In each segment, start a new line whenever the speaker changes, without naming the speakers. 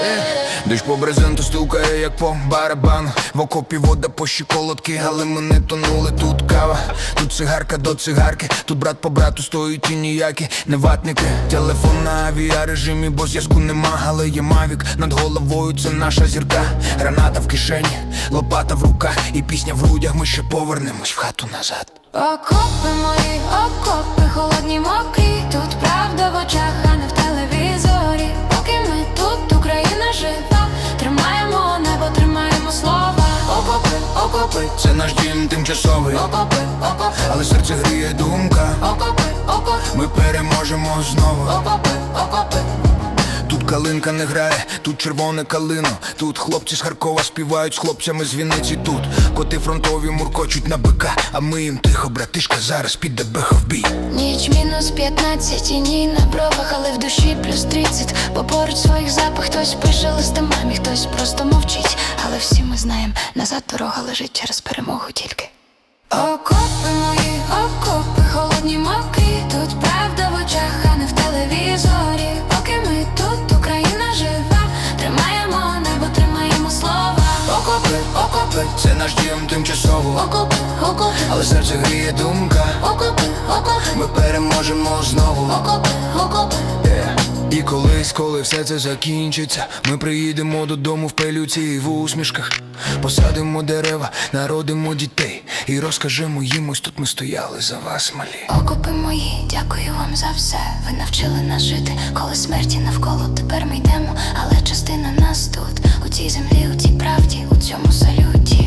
Дощ по брезенту стукає, як по барабану. В окопі вода по щиколотки, але ми не тонули. Тут кава, тут цигарка до цигарки. Тут брат по брату стоїть і ніякі не ватники. Телефон на авіарежимі, бо зв'язку нема. Але є мавік над головою, це наша зірка. Граната в кишені, лопата в руках і пісня в грудях, ми ще повернемось в хату назад.
Окопи мої, окопи, холодні мокрі. Тут правда в очах, а не в телевізорі. Поки ми тут, Україна жива. Тримаємо небо, тримаємо слова.
Окопи, окопи, це наш дім тимчасовий.
Окопи, окопи,
але серце гріє думка.
окопи, окопи,
Ми переможемо знову.
окопи, окопи.
Тут калинка не грає, тут червоне калино. Тут хлопці з Харкова співають з хлопцями з Вінниці. Тут коти фронтові муркочуть на бика, а ми їм тихо, братишка, зараз піде беха в бій.
Ніч мінус 15, і ні на бровах, але в душі плюс 30. Бо поруч своїх запах хтось пише листа мамі, хтось просто мовчить. Але всі ми знаємо, назад дорога лежить через перемогу тільки. Окопи мої, окопи, холодні мокрі. Тут правда в очах, а не в телевізорі. Поки ми тут, Україна жива. Тримаємо небо, тримаємо слова.
Окопи, окопи, це наш дім тимчасово.
Окопи, окопи,
але серце гріє думка.
окопи, окопи,
Ми переможемо знову.
окопи, окопи.
І колись, коли все це закінчиться, ми приїдемо додому в пилюці і в усмішках. Посадимо дерева, народимо дітей і розкажемо їм, ось тут ми стояли за вас, малі.
Окопи мої, дякую вам за все. Ви навчили нас жити, коли смерті навколо. Тепер ми йдемо, але частина нас тут. У цій землі, у цій правді, у цьому салюті.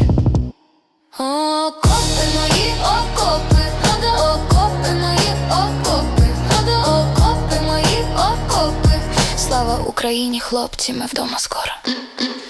Окопи мої, окопи, окопи мої, окопи, окопи мої, окопи. Слава Україні, хлопці, ми вдома скоро.